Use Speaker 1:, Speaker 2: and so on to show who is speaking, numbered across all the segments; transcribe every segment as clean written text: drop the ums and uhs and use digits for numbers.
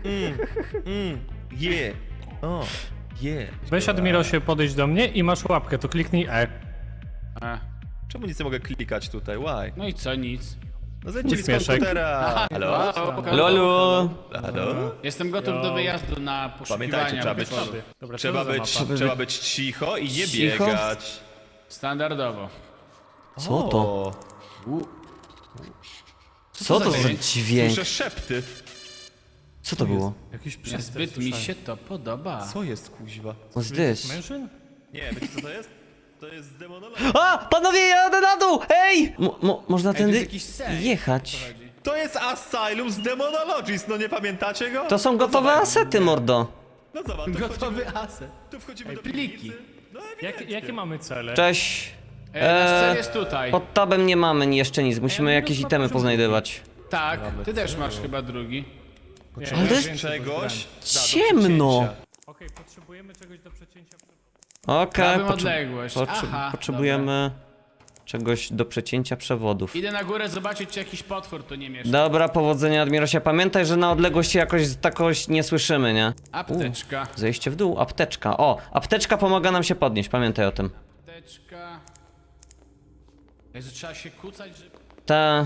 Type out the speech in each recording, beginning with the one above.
Speaker 1: Yeah. O, yeah.
Speaker 2: Weź Admirosie podejść do mnie i masz łapkę, to kliknij E.
Speaker 1: Czemu nic nie mogę klikać tutaj? Why?
Speaker 3: No i co, nic.
Speaker 1: No zejdźcie mi z
Speaker 2: Uśmieszek.
Speaker 1: komputera. Halo?
Speaker 4: Lolu!
Speaker 1: Halo?
Speaker 3: Jestem gotów do wyjazdu na poszukiwania.
Speaker 1: Pamiętajcie, trzeba być,
Speaker 3: metody.
Speaker 2: Dobra,
Speaker 1: trzeba być cicho i nie
Speaker 4: Cicho?
Speaker 1: biegać.
Speaker 3: Standardowo.
Speaker 4: Co to?
Speaker 1: O,
Speaker 4: Co to za
Speaker 3: dźwięk?
Speaker 4: dźwięk?
Speaker 1: Słyszę szepty.
Speaker 4: Co to było?
Speaker 2: Jakiś przestęp
Speaker 3: Zbyt mi się to podoba.
Speaker 1: Co jest kuźwa?
Speaker 4: What's this?
Speaker 2: Mężyn?
Speaker 1: Nie, wiecie co to jest? To jest demonolog.
Speaker 4: A! Panowie, jadę na dół! Ej! Można
Speaker 3: to
Speaker 4: tędy
Speaker 3: jest jakiś sejf.
Speaker 4: jechać.
Speaker 1: To jest Asylum z Demonologist, no nie pamiętacie go?
Speaker 4: To są gotowe asety, mordo.
Speaker 1: No zobacz, tu
Speaker 3: Gotowy aset.
Speaker 1: Tu wchodzimy do
Speaker 3: pliki.
Speaker 1: piwnicy. No ewidentnie.
Speaker 2: Jakie mamy cele?
Speaker 4: Cześć.
Speaker 3: Nasz cel jest tutaj.
Speaker 4: Pod tabem nie mamy jeszcze nic, musimy jakieś itemy poznajdywać.
Speaker 3: Tak, ty też masz chyba drugi.
Speaker 4: Ale to jest
Speaker 1: Czegoś
Speaker 4: ciemno.
Speaker 2: Okej, potrzebujemy czegoś do przecięcia.
Speaker 4: Okej,
Speaker 3: Mamy odległość. Aha,
Speaker 4: potrzebujemy czegoś do przecięcia przewodów.
Speaker 3: Idę na górę zobaczyć, czy jakiś potwór tu nie mieszka.
Speaker 4: Dobra, powodzenia, Admirosie. Pamiętaj, że na odległość się jakoś nie słyszymy, nie?
Speaker 3: Apteczka.
Speaker 4: Zejście w dół, apteczka. O, apteczka pomaga nam się podnieść, pamiętaj o tym.
Speaker 3: Apteczka. Jezu, trzeba się kucać, że...
Speaker 4: Ta...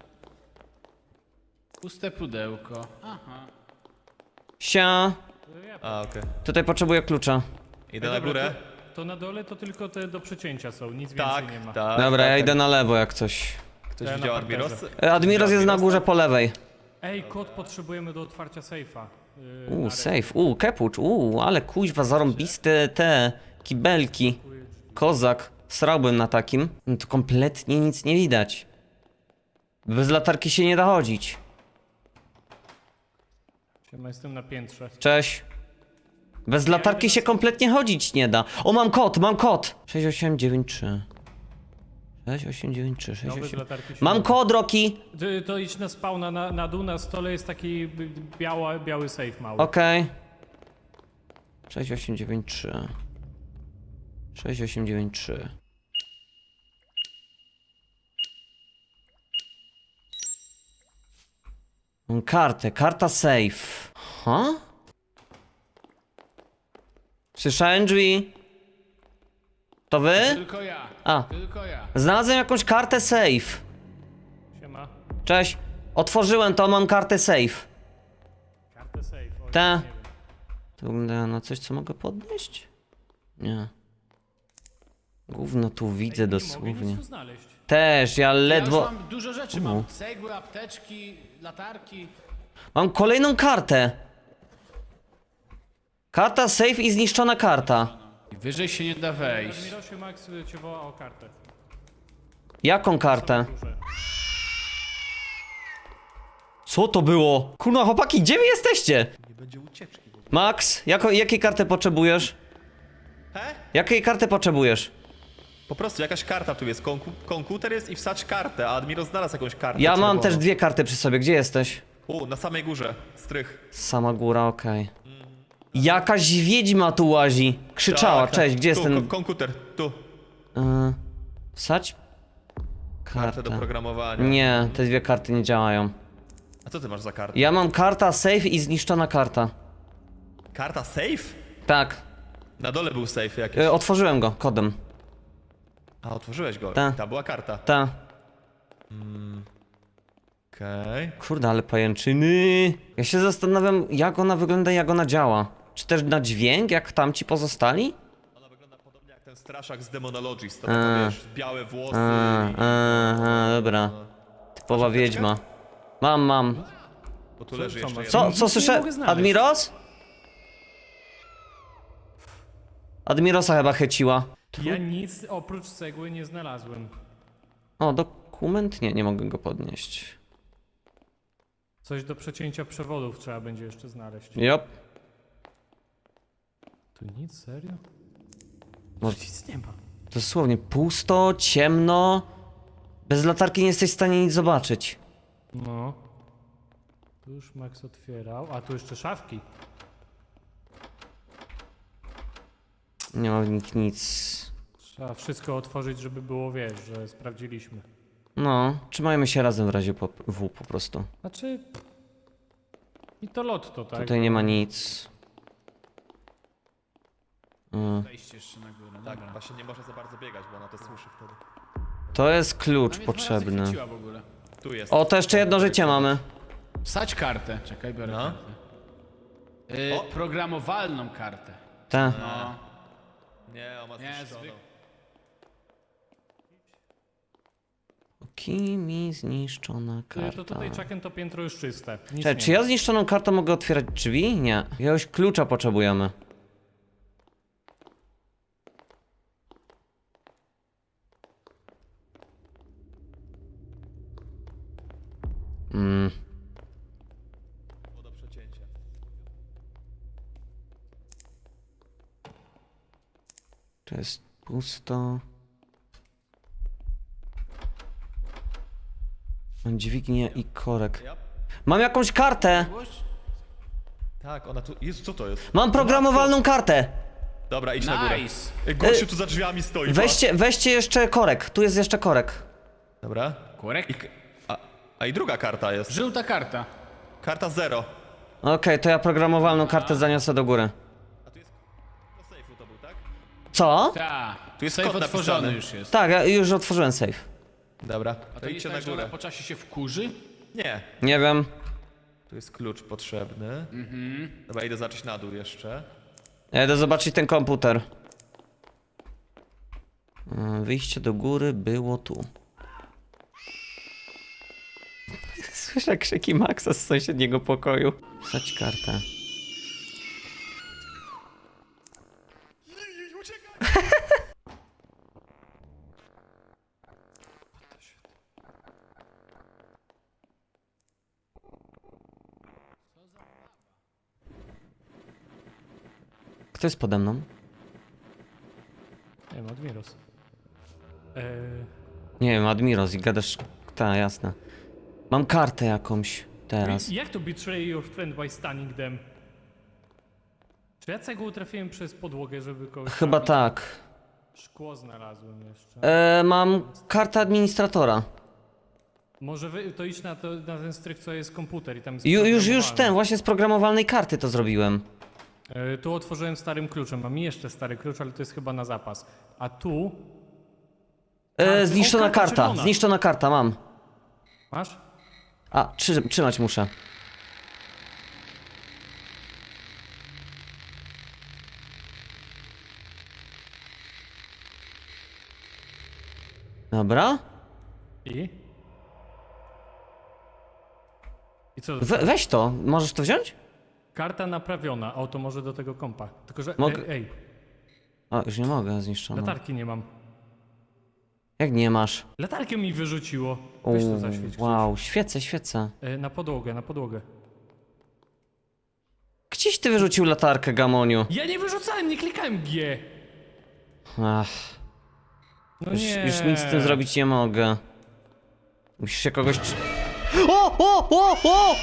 Speaker 3: Puste pudełko. Aha.
Speaker 4: Sia.
Speaker 1: A, okej.
Speaker 4: Tutaj potrzebuję klucza.
Speaker 1: Idę na górę.
Speaker 2: To na dole to tylko te do przecięcia są, nic
Speaker 1: Tak,
Speaker 2: więcej nie ma.
Speaker 1: tak.
Speaker 4: Dobra,
Speaker 1: tak,
Speaker 4: ja
Speaker 1: tak.
Speaker 4: idę na lewo jak coś.
Speaker 1: Ktoś
Speaker 2: Ja
Speaker 1: widział
Speaker 2: na
Speaker 1: Admiros?
Speaker 2: parterze.
Speaker 4: Admiros jest na górze po lewej.
Speaker 2: Ej, kod potrzebujemy do otwarcia sejfa.
Speaker 4: Safe, kepucz, ale kuźwa, zarąbiste te kibelki. Kozak, srałbym na takim. No to kompletnie nic nie widać. Bez latarki się nie da chodzić.
Speaker 2: Siema, jestem na piętrze.
Speaker 4: Cześć. Bez latarki się kompletnie chodzić nie da. O, mam kod, mam kod. 6893. 6893,
Speaker 2: No, bez
Speaker 4: 68.
Speaker 2: latarki się
Speaker 4: Mam
Speaker 2: nie da.
Speaker 4: kod, Roki.
Speaker 2: To idź na spawna, na dół, na stole jest taki biały safe mały.
Speaker 4: Okej. 6893. 6893. Mam kartę, karta safe. Słyszałem drzwi. To wy?
Speaker 3: Tylko ja.
Speaker 4: A.
Speaker 3: Tylko ja.
Speaker 4: Znalazłem jakąś kartę safe.
Speaker 2: Siema.
Speaker 4: Cześć. Otworzyłem to, mam kartę safe.
Speaker 2: Kartę safe. Oj,
Speaker 4: Ta.
Speaker 2: nie wiem.
Speaker 4: To wygląda na coś, co mogę podnieść? Nie. Gówno tu widzę
Speaker 2: Nie mogę
Speaker 4: dosłownie.
Speaker 2: nic tu znaleźć.
Speaker 4: Też, ja
Speaker 3: Ja już
Speaker 4: ledwo...
Speaker 3: mam dużo rzeczy. Mam cegły, apteczki, latarki.
Speaker 4: Mam kolejną kartę. Karta safe i zniszczona karta.
Speaker 3: I wyżej się nie da wejść.
Speaker 2: Admirosie, Max cię woła o kartę.
Speaker 4: Jaką kartę?
Speaker 2: Duże.
Speaker 4: Co to było? Kurwa, chłopaki, gdzie wy jesteście?
Speaker 1: Nie będzie ucieczki w ogóle.
Speaker 4: Max, jakiej karty potrzebujesz?
Speaker 1: He?
Speaker 4: Jakiej karty potrzebujesz?
Speaker 1: Po prostu jakaś karta tu jest. Komputer jest i wsadź kartę, a Admiros znalazł jakąś kartę.
Speaker 4: Ja mam
Speaker 1: czerwoną.
Speaker 4: też dwie karty przy sobie, gdzie jesteś?
Speaker 1: Na samej górze. Strych.
Speaker 4: Sama góra, okej. Jakaś wiedźma tu łazi. Krzyczała,
Speaker 1: Tak, tak.
Speaker 4: cześć, gdzie jest
Speaker 1: Tu,
Speaker 4: ten...
Speaker 1: komputer, tu.
Speaker 4: Wsadź?
Speaker 1: Kartę do
Speaker 4: Kartę.
Speaker 1: programowania.
Speaker 4: Nie, te dwie karty nie działają.
Speaker 1: A co ty masz za kartę?
Speaker 4: Ja mam karta safe i zniszczona karta.
Speaker 1: Karta safe?
Speaker 4: Tak,
Speaker 1: Na dole był safe jakiś.
Speaker 4: otworzyłem go kodem.
Speaker 1: A, otworzyłeś go.
Speaker 4: Tak.
Speaker 1: Ta była karta.
Speaker 4: Ta.
Speaker 1: Okej.
Speaker 4: Kurde, ale pajęczyny. Ja się zastanawiam, jak ona wygląda, jak ona działa. Czy też na dźwięk, jak tamci pozostali?
Speaker 1: Ona wygląda podobnie jak ten straszak z Demonologist. To taka, wiesz, białe włosy
Speaker 4: Dobra. Typowa wiedźma. Mam.
Speaker 1: Bo tu leży
Speaker 2: co
Speaker 1: jeszcze
Speaker 2: masz?
Speaker 1: jeden.
Speaker 4: Co
Speaker 2: nie
Speaker 4: słyszę?
Speaker 2: mogę znaleźć.
Speaker 4: Admiros? Admirosa chyba chyciła.
Speaker 2: Ja nic oprócz cegły nie znalazłem.
Speaker 4: O, dokument? Nie mogę go podnieść.
Speaker 2: Coś do przecięcia przewodów trzeba będzie jeszcze znaleźć.
Speaker 4: Jop.
Speaker 2: Tu nic, serio?
Speaker 4: Może-
Speaker 2: Nic nie ma.
Speaker 4: Dosłownie pusto, ciemno. Bez latarki nie jesteś w stanie nic zobaczyć.
Speaker 2: No. Tu już Max otwierał, a tu jeszcze szafki.
Speaker 4: Nie ma w nich nic.
Speaker 2: Trzeba wszystko otworzyć, żeby było, wiesz, że sprawdziliśmy.
Speaker 4: No, trzymajmy się razem w razie W po prostu.
Speaker 2: Znaczy, I to lotto, tak?
Speaker 4: Tutaj nie ma nic.
Speaker 3: Wejście jeszcze na górę,
Speaker 1: Tak,
Speaker 3: dobra.
Speaker 1: właśnie nie może za bardzo biegać, bo ona to słyszy wtedy.
Speaker 4: To jest
Speaker 3: A
Speaker 4: klucz
Speaker 3: mnie 2 razy
Speaker 4: potrzebny.
Speaker 3: chwyciła w ogóle.
Speaker 1: Tu jest.
Speaker 4: O, to jeszcze jedno życie mamy.
Speaker 3: Wsadź kartę. Czekaj, biorę
Speaker 1: No.
Speaker 3: kartę.
Speaker 1: O.
Speaker 3: Programowalną kartę.
Speaker 4: Ta.
Speaker 3: No.
Speaker 1: Nie, on ma
Speaker 3: Nie,
Speaker 1: zniszczoną.
Speaker 3: zwykle.
Speaker 4: Kimi zniszczona
Speaker 2: To
Speaker 4: karta.
Speaker 2: tutaj Chucken to piętro już czyste. Nic
Speaker 4: Czekaj,
Speaker 2: nie
Speaker 4: czy
Speaker 2: ma.
Speaker 4: ja zniszczoną kartą mogę otwierać drzwi? Nie. Jakiegoś klucza potrzebujemy.
Speaker 1: Było do przecięcia.
Speaker 4: To jest pusto. Mam dźwignię i korek.
Speaker 1: Ja?
Speaker 4: Mam jakąś kartę!
Speaker 1: Tak, ona tu... Jezu, co to jest?
Speaker 4: Mam programowalną kartę!
Speaker 1: Dobra, idź na górę.
Speaker 3: Nice.
Speaker 1: Gościu tu za drzwiami stoi.
Speaker 4: Weźcie jeszcze korek. Tu jest jeszcze korek.
Speaker 1: patrz. Dobra.
Speaker 3: Korek.
Speaker 1: A i druga karta jest.
Speaker 3: Żółta karta.
Speaker 1: Karta 0.
Speaker 4: Okej, to ja programowalną kartę zaniosę do góry.
Speaker 1: A tu jest... Do sejfu to był, tak?
Speaker 4: Co?
Speaker 3: Ta.
Speaker 1: Tu jest
Speaker 3: Safe
Speaker 1: kod
Speaker 3: otworzony
Speaker 1: napisany.
Speaker 3: już jest.
Speaker 4: Tak, ja już otworzyłem safe.
Speaker 1: Dobra.
Speaker 3: A
Speaker 1: To
Speaker 3: to nie
Speaker 1: idźcie
Speaker 3: jest
Speaker 1: na
Speaker 3: tak, że ona
Speaker 1: górę.
Speaker 3: po czasie się wkurzy?
Speaker 1: Nie.
Speaker 4: Nie wiem.
Speaker 1: Tu jest klucz potrzebny. Dobra, idę zacząć na dół jeszcze.
Speaker 4: Ja idę zobaczyć ten komputer. Wyjście do góry było tu. Słyszę krzyki Maxa z sąsiedniego pokoju. Wsadź kartę. Kto jest pode mną?
Speaker 2: Nie wiem, Admiros.
Speaker 4: Nie wiem, Admiros i gadasz... Ta, jasne. Mam kartę jakąś teraz.
Speaker 2: Jak to betray your friend by stunning them? Czy ja cegłą trafiłem przez podłogę, żeby kogoś...
Speaker 4: Chyba
Speaker 2: trafić?
Speaker 4: tak.
Speaker 2: Szkło znalazłem jeszcze.
Speaker 4: Mam kartę administratora.
Speaker 2: Może to iść na ten strych, co jest komputer i tam jest
Speaker 4: Już ten,
Speaker 2: programowalny.
Speaker 4: właśnie z programowalnej karty to zrobiłem.
Speaker 2: Tu otworzyłem starym kluczem. Mam jeszcze stary klucz, ale to jest chyba na zapas. A tu...
Speaker 4: Zniszczona
Speaker 2: O, karta
Speaker 4: karta,
Speaker 2: czerwona.
Speaker 4: zniszczona karta, mam.
Speaker 2: Masz?
Speaker 4: A, trzymać muszę. Dobra.
Speaker 2: I? I co?
Speaker 4: Weź to, możesz to wziąć?
Speaker 2: Karta naprawiona. O, to może do tego kompa. Tylko, że...
Speaker 4: Mogę-
Speaker 2: Ej,
Speaker 4: O, już nie mogę, zniszczona.
Speaker 2: latarki nie mam.
Speaker 4: Jak nie masz?
Speaker 2: Latarkę mi wyrzuciło. Weź to zaświeć.
Speaker 4: Wow, świecę.
Speaker 2: Na podłogę, na podłogę.
Speaker 4: Gdzieś ty wyrzucił latarkę, Gamoniu?
Speaker 2: Ja nie wyrzucałem, nie klikałem G.
Speaker 4: Ach,
Speaker 2: No
Speaker 4: już,
Speaker 2: nie.
Speaker 4: już nic z tym zrobić nie mogę. Musisz się kogoś... O!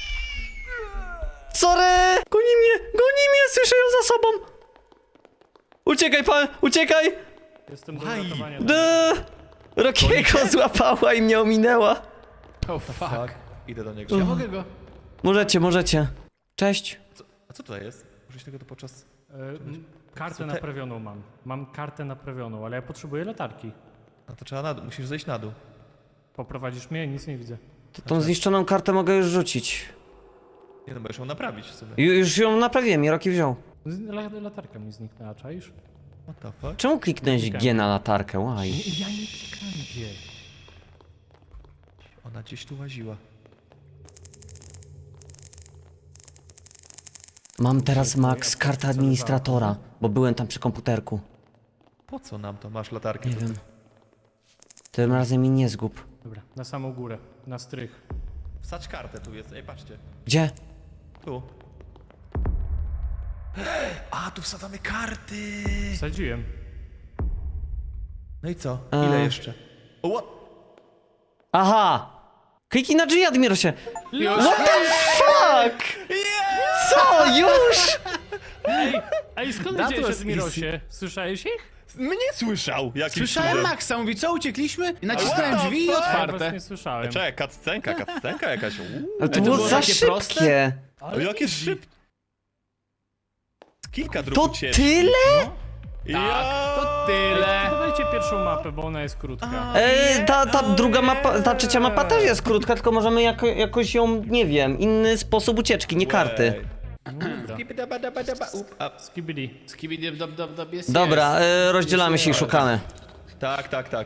Speaker 4: Sorry! Goni mnie, słyszę ją za sobą! Uciekaj, pan, uciekaj!
Speaker 2: Jestem do
Speaker 1: Why?
Speaker 2: uratowania.
Speaker 4: Rockiego złapała i mnie ominęła.
Speaker 3: Oh fuck.
Speaker 1: Tak. Idę do niego.
Speaker 3: Ja mogę go.
Speaker 4: Możecie. Cześć.
Speaker 1: A co to jest? Użyć tego to podczas...
Speaker 2: Kartę naprawioną mam. Mam kartę naprawioną, ale ja potrzebuję latarki.
Speaker 1: A to trzeba na dół. Musisz zejść na dół.
Speaker 2: Poprowadzisz mnie? Nic nie widzę.
Speaker 4: Tą zniszczoną kartę mogę już rzucić.
Speaker 1: Nie no, możesz ją naprawić w sumie.
Speaker 4: Już ją naprawiłem i Rocky wziął.
Speaker 2: Latarka mi zniknęła, czaisz?
Speaker 1: What the fuck?
Speaker 4: Czemu kliknąłeś G na latarkę? Why?
Speaker 2: Ja nie klikałem G.
Speaker 1: Ona gdzieś tu łaziła.
Speaker 4: Mam teraz Max kartę administratora, bo byłem tam przy komputerku.
Speaker 1: Po co nam to? Masz latarkę.
Speaker 4: Nie wiem. Tym razem mi nie zgub.
Speaker 2: Dobra, na samą górę, na strych.
Speaker 1: Wsadź kartę tu jest. Ej, patrzcie.
Speaker 4: Gdzie?
Speaker 1: Tu. A, tu wsadzamy karty!
Speaker 2: Wsadziłem.
Speaker 1: No i co? Ile jeszcze? O, what?
Speaker 4: Aha! Kliknij na drzwi, Admirosie! What the fuck? Co? Już?
Speaker 2: Ej, skąd
Speaker 3: That
Speaker 2: wiedziałeś,
Speaker 3: was
Speaker 2: Admirosie? Słyszałeś ich?
Speaker 1: Mnie słyszał! Jakim
Speaker 3: Słyszałem
Speaker 1: cudem?
Speaker 3: Maxa, mówi co, uciekliśmy? I nacisnąłem
Speaker 1: What the
Speaker 3: drzwi i
Speaker 1: fuck?
Speaker 2: Ja was
Speaker 3: otwarte.
Speaker 2: nie słyszałem.
Speaker 1: Czekaj, kaccenka jakaś.
Speaker 4: Ale to
Speaker 3: to
Speaker 4: było
Speaker 3: było
Speaker 4: za
Speaker 3: takie
Speaker 4: szybkie.
Speaker 3: proste?
Speaker 1: O, jakie szyb... Kilka dróg
Speaker 4: To
Speaker 1: ucieczki.
Speaker 4: tyle?
Speaker 1: Ja...
Speaker 3: To tyle.
Speaker 2: Dodajcie pierwszą mapę, bo ona jest krótka.
Speaker 4: Ta druga mapa, ta trzecia mapa też jest krótka, tylko możemy jakoś ją, nie wiem, inny sposób ucieczki, nie karty.
Speaker 2: Skibidi.
Speaker 3: Skibidi dob jest.
Speaker 4: Dobra,
Speaker 3: jest.
Speaker 4: rozdzielamy się i szukamy.
Speaker 1: Tak, tak, tak.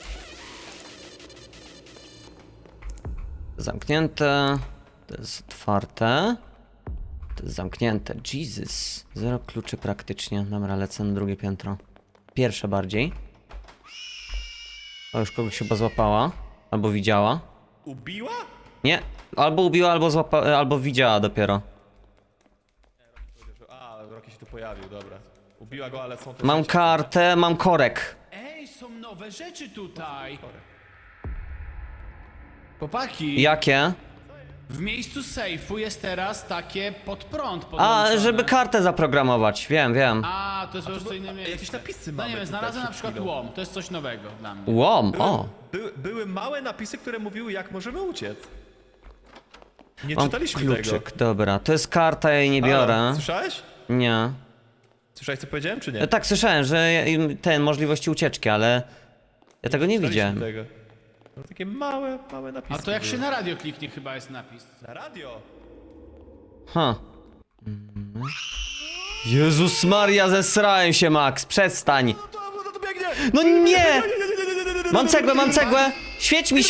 Speaker 4: Zamknięte, to jest otwarte, to jest zamknięte. Jesus, 0 kluczy praktycznie. Dobra, lecę na drugie piętro. Pierwsze bardziej. O, już kogoś chyba złapała, albo widziała.
Speaker 1: Ubiła?
Speaker 4: Nie, albo ubiła, albo widziała dopiero.
Speaker 1: A, Rocky się tu pojawił, dobra. Ubiła go, ale są też...
Speaker 4: Mam kartę, mam korek.
Speaker 3: Ej, są nowe rzeczy tutaj. Chłopaki,
Speaker 4: Jakie?
Speaker 3: w miejscu sejfu jest teraz takie pod prąd
Speaker 4: A,
Speaker 3: podłączone.
Speaker 4: żeby kartę zaprogramować, wiem.
Speaker 3: A, to jest po prostu inne miejsce.
Speaker 1: jakieś napisy
Speaker 3: No
Speaker 1: mamy
Speaker 3: nie wiem,
Speaker 1: tutaj
Speaker 3: znalazłem na
Speaker 1: przed
Speaker 3: przykład
Speaker 1: chwilą.
Speaker 3: łom. To jest coś nowego dla mnie.
Speaker 4: Łom, o.
Speaker 1: Były małe napisy, które mówiły, jak możemy uciec. Nie
Speaker 4: Mam
Speaker 1: czytaliśmy
Speaker 4: kluczyk,
Speaker 1: tego.
Speaker 4: dobra. To jest karta, ja jej nie biorę.
Speaker 1: Halo, słyszałeś?
Speaker 4: Nie.
Speaker 1: Słyszałeś, co powiedziałem, czy nie?
Speaker 4: Tak, słyszałem, że możliwości ucieczki, ale ja tego nie
Speaker 1: Czytaliśmy
Speaker 4: widziałem.
Speaker 1: Tego. No, takie małe napisy.
Speaker 3: A to jak
Speaker 1: były.
Speaker 3: się na radio kliknie chyba jest napis.
Speaker 1: Na radio.
Speaker 4: Ha. Jezus Maria, zesrałem się, Max, przestań.
Speaker 1: No to biegnie!
Speaker 4: No nie! Mam cegłę! Świeć mi!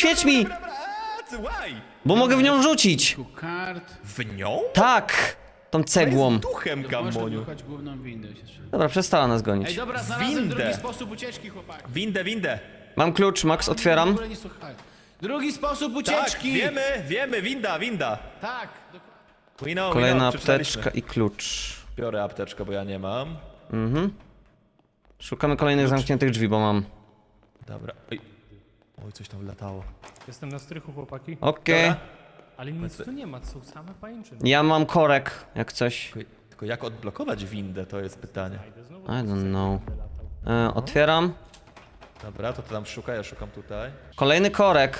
Speaker 1: Why?
Speaker 4: Bo mogę w nią rzucić.
Speaker 3: Tu kart.
Speaker 1: W nią?
Speaker 4: Tak! Tą cegłą.
Speaker 1: Jest duchem,
Speaker 3: Można
Speaker 1: Gamoniu.
Speaker 3: wypchać główną windę. się słyszy.
Speaker 4: Dobra, przestała nas
Speaker 3: Ej,
Speaker 4: gonić.
Speaker 3: dobra, znalazłem
Speaker 1: Windę.
Speaker 3: drugi sposób ucieczki, chłopaki.
Speaker 1: Windę.
Speaker 4: Mam klucz, Max,
Speaker 3: W
Speaker 4: otwieram.
Speaker 3: ogóle nie słuchaj. Drugi sposób
Speaker 1: Tak,
Speaker 3: ucieczki.
Speaker 1: wiemy, winda.
Speaker 3: Tak, dokładnie.
Speaker 1: We know,
Speaker 4: Kolejna
Speaker 1: przeczytaliśmy.
Speaker 4: apteczka i klucz.
Speaker 1: Biorę apteczkę, bo ja nie mam.
Speaker 4: Szukamy kolejnych zamkniętych drzwi, bo mam.
Speaker 1: Dobra. Oj, coś tam latało.
Speaker 2: Jestem na strychu, chłopaki.
Speaker 4: Okej.
Speaker 1: Dobra.
Speaker 2: Ale nic tu nie ma, to są same pajęczyny.
Speaker 4: Ja mam korek, jak coś.
Speaker 1: Tylko jak odblokować windę, to jest pytanie.
Speaker 2: Znowu
Speaker 4: I don't know. Otwieram.
Speaker 1: Dobra, to ty tam szukaj, ja szukam tutaj.
Speaker 4: Kolejny korek.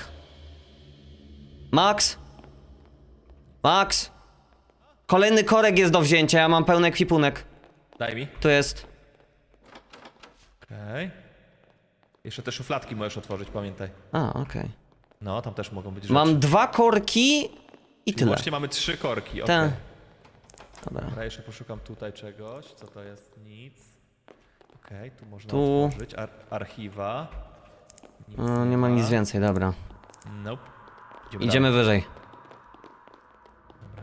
Speaker 4: Max? Max? Kolejny korek jest do wzięcia, ja mam pełny ekwipunek.
Speaker 1: Daj mi.
Speaker 4: Tu jest.
Speaker 1: Okej. Jeszcze te szufladki możesz otworzyć, pamiętaj.
Speaker 4: A, okej.
Speaker 1: No, tam też mogą być rzeczy.
Speaker 4: Mam 2 korki i tyle.
Speaker 1: Właśnie mamy 3 korki, okej.
Speaker 4: Te. Dobra.
Speaker 1: Dobra, jeszcze poszukam tutaj czegoś. Co to jest? Nic. Okej, tu można
Speaker 4: Tu.
Speaker 1: otworzyć. Archiwa. Nic
Speaker 4: Nie ma nic więcej, dobra.
Speaker 1: Nope.
Speaker 4: Idziemy wyżej.
Speaker 1: Dobra.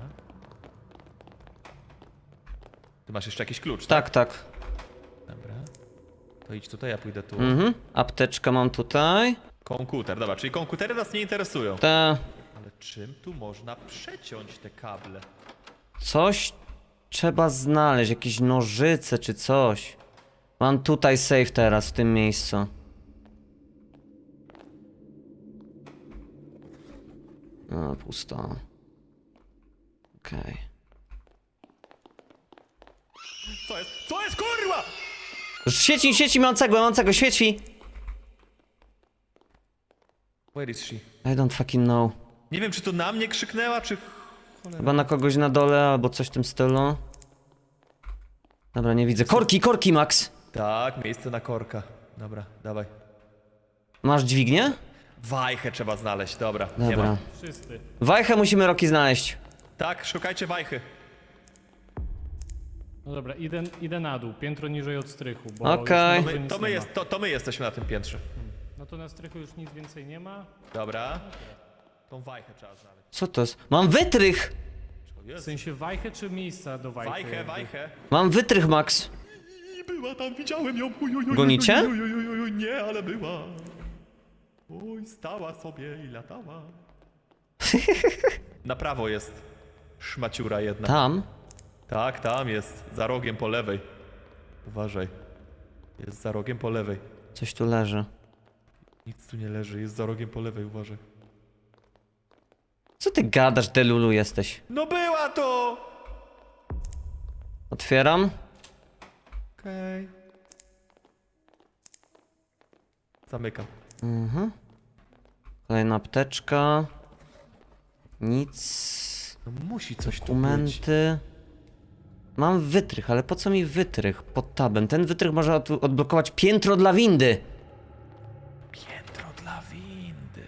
Speaker 1: Ty masz jeszcze jakiś klucz,
Speaker 4: Tak, tak.
Speaker 1: Dobra. To idź tutaj, ja pójdę tu.
Speaker 4: Apteczkę mam tutaj.
Speaker 1: Komputer, dobra, czyli komputery nas nie interesują.
Speaker 4: Te.
Speaker 1: Ale czym tu można przeciąć te kable?
Speaker 4: Coś trzeba znaleźć, jakieś nożyce czy coś. Mam tutaj safe teraz, w tym miejscu. No, pusto. Okej.
Speaker 1: Co jest? Co jest, kurwa?
Speaker 4: Świeci, mam cegłę, świeci!
Speaker 1: Where is she?
Speaker 4: I don't fucking know.
Speaker 1: Nie wiem, czy to na mnie krzyknęła, czy...
Speaker 4: Chyba na kogoś na dole, albo coś w tym stylu. Dobra, nie widzę. Korki, Max!
Speaker 1: Tak, miejsce na korka. Dobra, dawaj.
Speaker 4: Masz dźwignię?
Speaker 1: Wajchę trzeba znaleźć, dobra. Nie
Speaker 4: Dobra.
Speaker 1: ma.
Speaker 2: Wszyscy.
Speaker 4: Wajchę musimy, Roki, znaleźć.
Speaker 1: Tak, szukajcie wajchy.
Speaker 2: No dobra, idę na dół, piętro niżej od strychu, bo
Speaker 4: Okej.
Speaker 2: już na górze nic nie ma.
Speaker 1: To my jesteśmy na tym piętrze.
Speaker 2: No to na strychu już nic więcej nie ma.
Speaker 1: Dobra. Tą wajchę trzeba znaleźć.
Speaker 4: Co to jest? Mam wytrych!
Speaker 1: O
Speaker 2: W
Speaker 1: Jezu.
Speaker 2: sensie wajchę czy miejsca do wajchy?
Speaker 1: Wajchę.
Speaker 4: Mam wytrych, Max.
Speaker 1: I była tam, widziałem ją.
Speaker 4: Gonicie?
Speaker 1: Nie, ale była. Oj, stała sobie i latała. Na prawo jest szmaciura jedna.
Speaker 4: Tam?
Speaker 1: Tak, tam jest. Za rogiem po lewej. Uważaj. Jest za rogiem po lewej.
Speaker 4: Coś tu leży.
Speaker 1: Nic tu nie leży, jest za rogiem po lewej, uważaj.
Speaker 4: Co ty gadasz, Delulu jesteś?
Speaker 1: No była to!
Speaker 4: Otwieram.
Speaker 1: Okej. Zamykam.
Speaker 4: Kolejna apteczka. Nic.
Speaker 1: No musi coś tu być.
Speaker 4: Dokumenty. Mam wytrych, ale po co mi wytrych pod tabem? Ten wytrych może odblokować piętro dla windy.
Speaker 1: Piętro dla windy.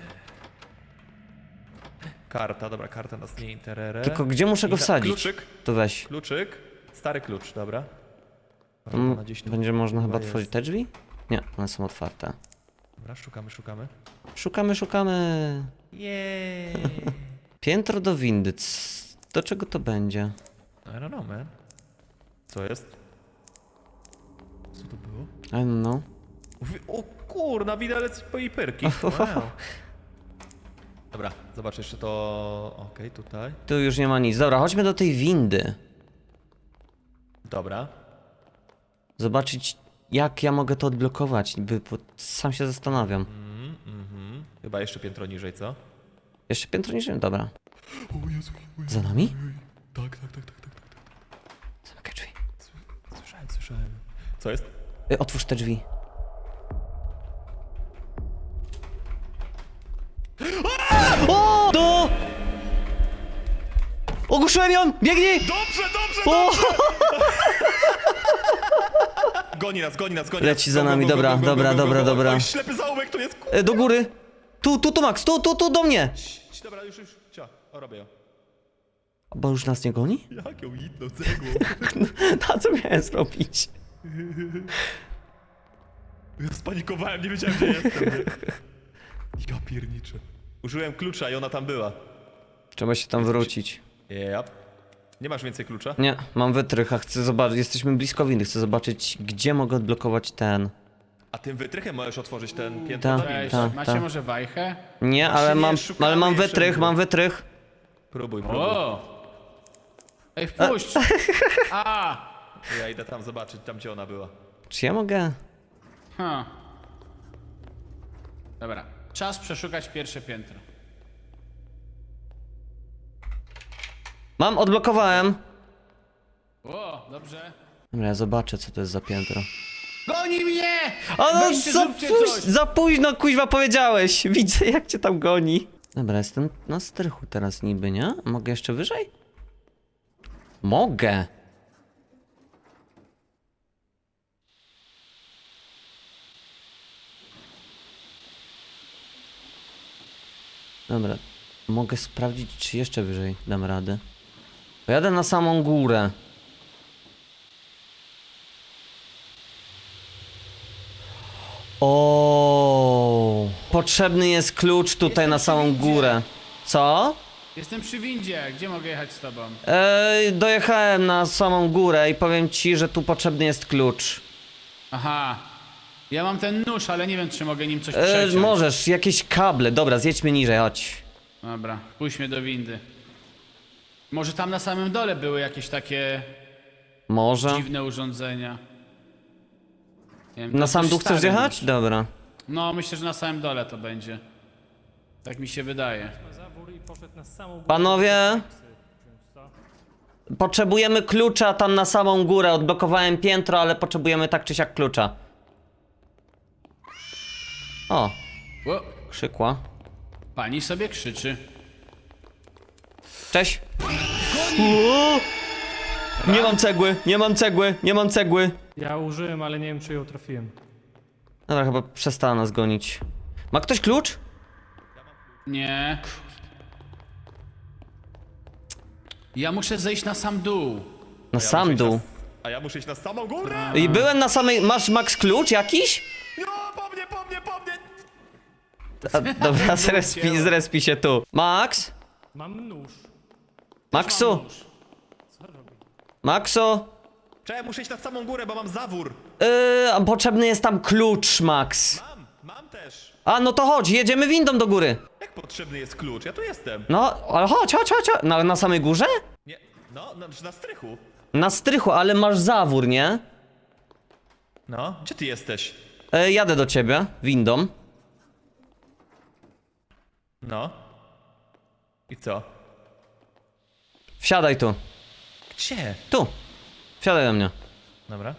Speaker 1: Karta, dobra, karta nas nie interesuje.
Speaker 4: Tylko gdzie muszę go wsadzić?
Speaker 1: Kluczyk,
Speaker 4: To weź.
Speaker 1: kluczyk. Stary klucz, dobra.
Speaker 4: Mm,
Speaker 1: Gdzieś tu
Speaker 4: Będzie można chyba
Speaker 1: jest.
Speaker 4: otworzyć te drzwi? Nie, one są otwarte.
Speaker 1: Dobra, szukamy.
Speaker 4: Szukamy.
Speaker 1: Jej.
Speaker 4: Piętro do windy. Do czego to będzie?
Speaker 1: I don't know, man. Co jest? Co to było?
Speaker 4: I don't know.
Speaker 1: O kurna, widelec po jej pyrki. Wow. Dobra, zobacz jeszcze to... Okej, tutaj.
Speaker 4: Tu już nie ma nic. Dobra, chodźmy do tej windy.
Speaker 1: Dobra.
Speaker 4: Zobaczyć, jak ja mogę to odblokować, bo sam się zastanawiam.
Speaker 1: Chyba jeszcze piętro niżej, co?
Speaker 4: Jeszcze piętro niżej? Dobra.
Speaker 1: O Jezu.
Speaker 4: Za nami?
Speaker 1: Tak.
Speaker 4: Zamykaj drzwi.
Speaker 1: Słyszałem. Co jest?
Speaker 4: Otwórz te drzwi. O! Do! Ogłuszyłem ją! Biegnij!
Speaker 1: Dobrze!
Speaker 4: O!
Speaker 1: Goni nas.
Speaker 4: Leci za nami, dobra.
Speaker 1: Oj, ślepy zaułek to jest.
Speaker 4: Do góry! Tu, Max, tu, do mnie!
Speaker 1: Dobra, już. Cia, robię ją.
Speaker 4: Bo już nas nie goni?
Speaker 1: Jak ją hitnął cegłą?
Speaker 4: A co miałem zrobić?
Speaker 1: Ja spanikowałem, nie wiedziałem gdzie jestem. Ja pierniczę. Użyłem klucza i ona tam była.
Speaker 4: Trzeba się tam wrócić.
Speaker 1: Yep. Nie masz więcej klucza?
Speaker 4: Nie, mam wytrych, a chcę zobaczyć. Jesteśmy blisko windy, chcę zobaczyć, gdzie mogę odblokować ten.
Speaker 1: A tym wytrychem możesz otworzyć ten piętro
Speaker 4: Ta.
Speaker 1: na windę.
Speaker 3: Cześć,
Speaker 4: Ta,
Speaker 3: macie
Speaker 4: ta.
Speaker 3: może wajchę?
Speaker 4: Nie,
Speaker 1: Właśnie
Speaker 4: ale
Speaker 1: nie,
Speaker 4: mam,
Speaker 1: szukamy
Speaker 4: ale mam
Speaker 1: jeszcze
Speaker 4: wytrych,
Speaker 1: tego.
Speaker 4: mam wytrych.
Speaker 1: Próbuj.
Speaker 3: O! Ej, wpuść! A!
Speaker 1: Ja idę tam zobaczyć, tam gdzie ona była.
Speaker 4: Czy ja mogę?
Speaker 3: Ha. Dobra, czas przeszukać pierwsze piętro.
Speaker 4: Mam, odblokowałem.
Speaker 3: O, dobrze.
Speaker 4: Dobra, ja zobaczę, co to jest za piętro.
Speaker 3: Goni mnie!
Speaker 4: O, no
Speaker 3: Weźcie, zróbcie coś!
Speaker 4: za późno, kuźwa, powiedziałeś. Widzę, jak cię tam goni. Dobra, jestem na strychu teraz niby, nie? Mogę jeszcze wyżej? Mogę. Dobra, mogę sprawdzić, czy jeszcze wyżej dam radę. Pojadę na samą górę. O, potrzebny jest klucz tutaj
Speaker 3: Jestem
Speaker 4: na
Speaker 3: przy
Speaker 4: samą
Speaker 3: windzie.
Speaker 4: górę. Co?
Speaker 3: Jestem przy windzie, gdzie mogę jechać z tobą?
Speaker 4: Dojechałem na samą górę i powiem ci, że tu potrzebny jest klucz.
Speaker 3: Aha. Ja mam ten nóż, ale nie wiem, czy mogę nim coś przeciąć.
Speaker 4: Możesz, jakieś kable. Dobra, zjedźmy niżej, chodź.
Speaker 3: Dobra, pójdź mnie do windy. Może tam na samym dole były jakieś takie
Speaker 4: Może.
Speaker 3: dziwne urządzenia. Nie wiem,
Speaker 4: Na
Speaker 3: to
Speaker 4: sam
Speaker 3: dość
Speaker 4: dół chcesz
Speaker 3: stary
Speaker 4: jechać?
Speaker 3: nóż.
Speaker 4: Dobra.
Speaker 3: No, myślę, że na samym dole to będzie. Tak mi się wydaje.
Speaker 2: Na zawór i poszedł na samą górę.
Speaker 4: Panowie,
Speaker 2: Co?
Speaker 4: potrzebujemy klucza tam na samą górę. Odblokowałem piętro, ale potrzebujemy tak czy siak klucza. O,
Speaker 3: O,
Speaker 4: krzykła.
Speaker 3: pani sobie krzyczy.
Speaker 4: Cześć. O! Nie mam cegły.
Speaker 2: Ja użyłem, ale nie wiem, czy ją trafiłem.
Speaker 4: Dobra, chyba przestała nas gonić. Ma ktoś klucz?
Speaker 3: Nie. Ja muszę zejść na sam dół.
Speaker 4: Na sam dół.
Speaker 1: A ja muszę iść na samą górę?
Speaker 4: I byłem na samej... Masz Max klucz jakiś?
Speaker 1: No, po mnie!
Speaker 4: Dobra, zrespi się tu. Max?
Speaker 2: Mam nóż.
Speaker 4: Maxu?
Speaker 3: Mam nóż.
Speaker 2: Co robi?
Speaker 4: Maxu?
Speaker 1: Czekaj, muszę iść na samą górę, bo mam zawór.
Speaker 4: Potrzebny jest tam klucz, Max.
Speaker 1: Mam też.
Speaker 4: A, no to chodź, jedziemy windą do góry.
Speaker 1: Jak potrzebny jest klucz? Ja tu jestem.
Speaker 4: No, ale chodź. Na samej górze?
Speaker 1: Nie, no, na strychu.
Speaker 4: Na strychu, ale masz zawór, nie?
Speaker 1: No, gdzie ty jesteś?
Speaker 4: Jadę do ciebie, windą.
Speaker 1: No. I co?
Speaker 4: Wsiadaj tu.
Speaker 1: Gdzie?
Speaker 4: Tu. Wsiadaj do mnie.
Speaker 1: Dobra.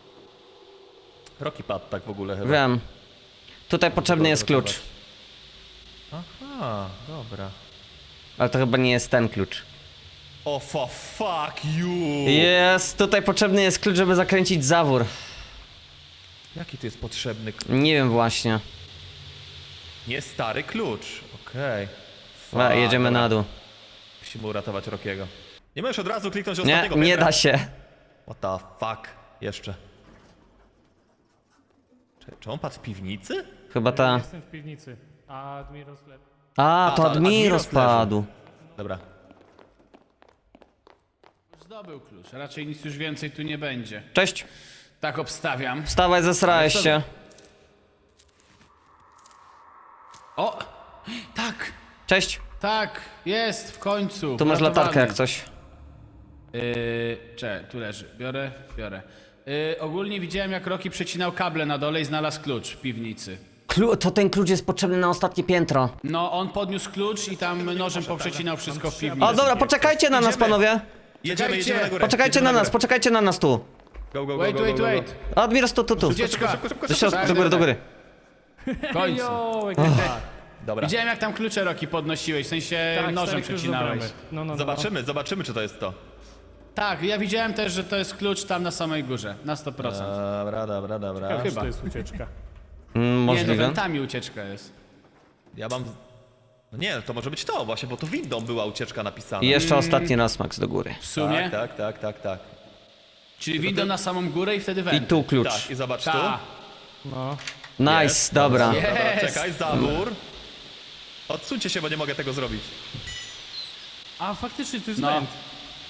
Speaker 1: Rocky Pad tak w ogóle chyba.
Speaker 4: Wiem. Tutaj potrzebny jest klucz.
Speaker 1: Aha, dobra.
Speaker 4: Ale to chyba nie jest ten klucz.
Speaker 1: O fuck you!
Speaker 4: Jest, tutaj potrzebny jest klucz, żeby zakręcić zawór.
Speaker 1: Jaki tu jest potrzebny klucz?
Speaker 4: Nie wiem właśnie.
Speaker 1: Nie stary klucz. Okej.
Speaker 4: Dobra, jedziemy na dół.
Speaker 1: Musimy uratować Rockiego. Nie możesz od razu kliknąć
Speaker 4: Nie,
Speaker 1: ostatniego
Speaker 4: nie
Speaker 1: piętra?
Speaker 4: da się.
Speaker 1: What the fuck? Jeszcze. Czy on padł w piwnicy?
Speaker 4: Chyba ta...
Speaker 2: Jestem w piwnicy, a Admiros lepiej.
Speaker 4: A, to
Speaker 1: to
Speaker 4: Admiros
Speaker 1: Admiros
Speaker 4: padł.
Speaker 1: Dobra.
Speaker 3: Zdobył klucz, raczej nic już więcej tu nie będzie.
Speaker 4: Cześć.
Speaker 3: Tak obstawiam.
Speaker 4: Wstawaj, zesrałeś się.
Speaker 3: O! Tak!
Speaker 4: Cześć.
Speaker 3: Tak! Jest, w końcu!
Speaker 4: Tu masz
Speaker 3: uratowany.
Speaker 4: latarkę jak coś.
Speaker 3: Tu leży. Biorę. Ogólnie widziałem, jak Rocky przecinał kable na dole i znalazł klucz w piwnicy.
Speaker 4: To ten klucz jest potrzebny na ostatnie piętro.
Speaker 3: No, on podniósł klucz i tam nożem poprzecinał wszystko w piwnicy.
Speaker 4: O, dobra, poczekajcie na nas,
Speaker 1: Idziemy.
Speaker 4: panowie.
Speaker 1: Jedziemy na górę.
Speaker 4: Poczekajcie na nas tu.
Speaker 1: Go, go, go,
Speaker 3: Wait,
Speaker 1: go,
Speaker 3: wait,
Speaker 1: go, go.
Speaker 3: wait!
Speaker 4: Admiros, tu.
Speaker 3: Ucieczka!
Speaker 4: Do środka, do góry, do góry.
Speaker 3: W końcu.
Speaker 2: Jo, jak
Speaker 1: Dobra.
Speaker 3: Widziałem, jak tam klucze Rocky podnosiłeś, w sensie
Speaker 2: tak,
Speaker 3: nożem
Speaker 2: stary klucz do
Speaker 3: przecinałeś.
Speaker 2: bramy. No.
Speaker 1: Zobaczymy, czy to jest to.
Speaker 3: Tak, ja widziałem też, że to jest klucz tam na samej górze, na 100%.
Speaker 1: Dobra.
Speaker 2: Chyba. To jest ucieczka.
Speaker 3: Nie, no
Speaker 4: Możliwe.
Speaker 3: wentami ucieczka jest.
Speaker 1: Ja mam... No nie, to może być to właśnie, bo to windą była ucieczka napisana.
Speaker 4: I jeszcze ostatni raz, Max, do góry.
Speaker 3: W sumie.
Speaker 1: Tak.
Speaker 3: Czyli windą na samą górę i wtedy węd.
Speaker 4: I tu klucz.
Speaker 1: Tak, i zobacz tu.
Speaker 3: Ta.
Speaker 2: No.
Speaker 4: Nice,
Speaker 1: Jest.
Speaker 4: dobra.
Speaker 1: Dobra,
Speaker 3: Jest.
Speaker 1: czekaj, zawór. Odsuńcie się, bo nie mogę tego zrobić.
Speaker 2: A faktycznie to jest
Speaker 3: No.
Speaker 2: węd.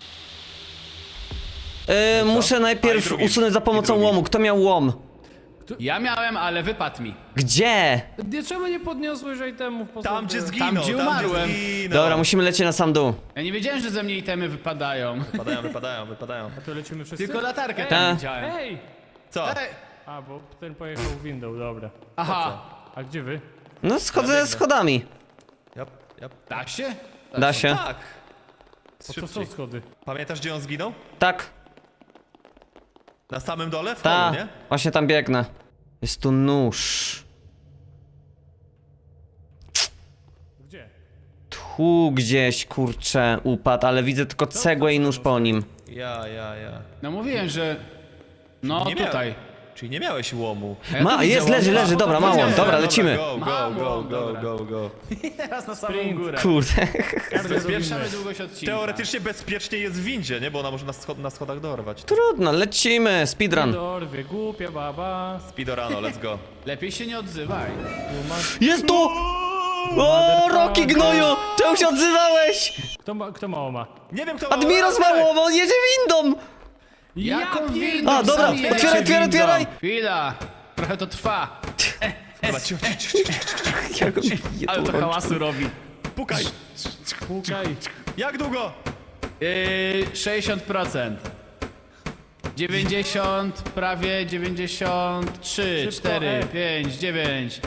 Speaker 4: Muszę
Speaker 1: A, i
Speaker 4: najpierw
Speaker 1: drugi.
Speaker 4: usunąć za
Speaker 1: I
Speaker 4: pomocą
Speaker 1: drugi.
Speaker 4: łomu. Kto miał łom?
Speaker 3: Ja miałem, ale wypadł mi.
Speaker 4: Gdzie?
Speaker 2: Dlaczego nie podniosłeś itemów poza
Speaker 1: Tam, gdzie
Speaker 2: tym?
Speaker 1: zginął,
Speaker 3: Tam, gdzie umarłem.
Speaker 4: Dobra, musimy lecieć na sam dół.
Speaker 3: Ja nie wiedziałem, że ze mnie itemy wypadają.
Speaker 1: Wypadają.
Speaker 2: A to lecimy wszyscy?
Speaker 3: Tylko latarkę
Speaker 4: Ta.
Speaker 3: tam widziałem.
Speaker 2: Ej!
Speaker 1: Co?
Speaker 3: Ej.
Speaker 2: A, bo ten pojechał windą, dobra.
Speaker 3: Aha,
Speaker 2: A gdzie wy?
Speaker 4: No, schodzę schodami.
Speaker 1: Yep.
Speaker 3: da się?
Speaker 4: Da się.
Speaker 1: Tak.
Speaker 2: Po co są schody?
Speaker 1: Pamiętasz, gdzie on zginął?
Speaker 4: Tak,
Speaker 1: Na samym dole? W
Speaker 4: ta.
Speaker 1: holu, nie?
Speaker 4: Właśnie tam biegnę. Jest tu nóż.
Speaker 2: Gdzie?
Speaker 4: Tu gdzieś, kurczę, upadł, ale widzę tylko cegłę i nóż po nim.
Speaker 1: Ja.
Speaker 3: No mówiłem, że... No
Speaker 1: Nie
Speaker 3: tutaj.
Speaker 1: miałem. Czyli nie miałeś łomu.
Speaker 3: A ja tu widzę
Speaker 4: Jest,
Speaker 3: łom.
Speaker 4: leży, dobra, ma łom. Dobra, lecimy.
Speaker 1: Go.
Speaker 3: Teraz na samą
Speaker 2: Sprint.
Speaker 3: górę.
Speaker 4: Kurde.
Speaker 3: Zwiększamy długość odcinka.
Speaker 1: Teoretycznie bezpiecznie jest w windzie, nie? Bo ona może na schodach dorwać.
Speaker 4: Trudno, lecimy, speedrun.
Speaker 2: Dorwie, głupia baba.
Speaker 1: Speedorano, let's go.
Speaker 3: Lepiej się nie odzywaj.
Speaker 4: Jest tu! O, Rocky gnoju! Czemu się odzywałeś?
Speaker 2: Kto ma oma?
Speaker 1: Nie wiem, kto
Speaker 4: Admiros ma łom, on jedzie windą!
Speaker 3: Jaką windą?
Speaker 4: A, dobra,
Speaker 3: Sam jedzie
Speaker 4: otwieraj.
Speaker 3: windą. Chwila. Trochę to trwa.
Speaker 1: Dobra, cicho.
Speaker 3: Ale to hałasu robi.
Speaker 1: Pukaj.
Speaker 2: Pukaj.
Speaker 1: Jak długo?
Speaker 3: 60%. 90, prawie 93,
Speaker 2: Szybko,
Speaker 3: 4, 5, 9.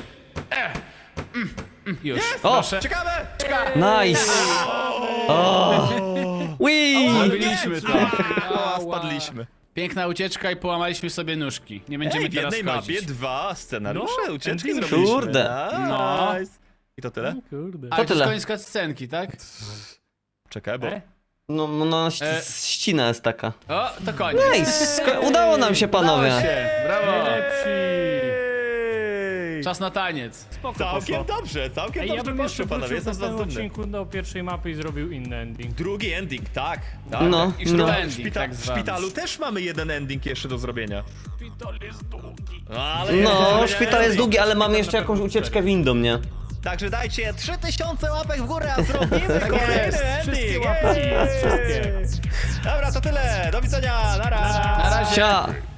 Speaker 3: Już,
Speaker 4: O!
Speaker 3: proszę.
Speaker 1: Ciekawe!
Speaker 4: Nice! O! Whee!
Speaker 3: Zrobiliśmy to.
Speaker 1: Spadliśmy.
Speaker 3: Piękna ucieczka i połamaliśmy sobie nóżki. Nie będziemy
Speaker 1: Ej, w
Speaker 3: teraz
Speaker 1: jednej
Speaker 3: chodzić.
Speaker 1: mapie 2 scenariusze,
Speaker 2: No,
Speaker 1: ucieczki
Speaker 2: ending.
Speaker 1: zrobiliśmy.
Speaker 4: Kurde.
Speaker 3: No.
Speaker 1: Nice. I to tyle?
Speaker 2: Kurde.
Speaker 3: Ale to
Speaker 4: tyle.
Speaker 3: jest koniec scenki, tak?
Speaker 1: Czekaj, bo...
Speaker 4: No, ścina jest taka.
Speaker 3: O, to koniec.
Speaker 4: Nice! Udało nam się, panowie.
Speaker 3: Udało się. Brawo.
Speaker 2: Najlepsi.
Speaker 1: Ej!
Speaker 3: Czas na taniec.
Speaker 2: Spoko
Speaker 1: Całkiem
Speaker 2: poszło.
Speaker 1: dobrze, całkiem
Speaker 2: Ej, ja
Speaker 1: dobrze
Speaker 2: bym jeszcze
Speaker 1: poszło, panowie,
Speaker 2: wrócił w
Speaker 1: jestem z was
Speaker 2: następnym
Speaker 1: dumny.
Speaker 2: odcinku do pierwszej mapy i zrobił inny ending.
Speaker 1: Drugi ending, tak.
Speaker 4: No,
Speaker 3: I
Speaker 4: no.
Speaker 3: ending, tak
Speaker 1: W
Speaker 3: zwany.
Speaker 1: szpitalu też mamy jeden ending jeszcze do zrobienia.
Speaker 2: Szpital jest długi.
Speaker 1: Ale
Speaker 4: No,
Speaker 1: jest
Speaker 4: szpital jest
Speaker 1: ending.
Speaker 4: długi, ale mamy jeszcze jakąś ucieczkę windą, nie?
Speaker 1: Także dajcie 3000 łapek w górę, a zrobimy kolejny
Speaker 2: jest.
Speaker 1: ending.
Speaker 2: Wszystkie łapki,
Speaker 1: Jej.
Speaker 2: wszystkie.
Speaker 1: Dobra, to tyle. Do widzenia. Nara.
Speaker 3: Na razie.
Speaker 4: Cia!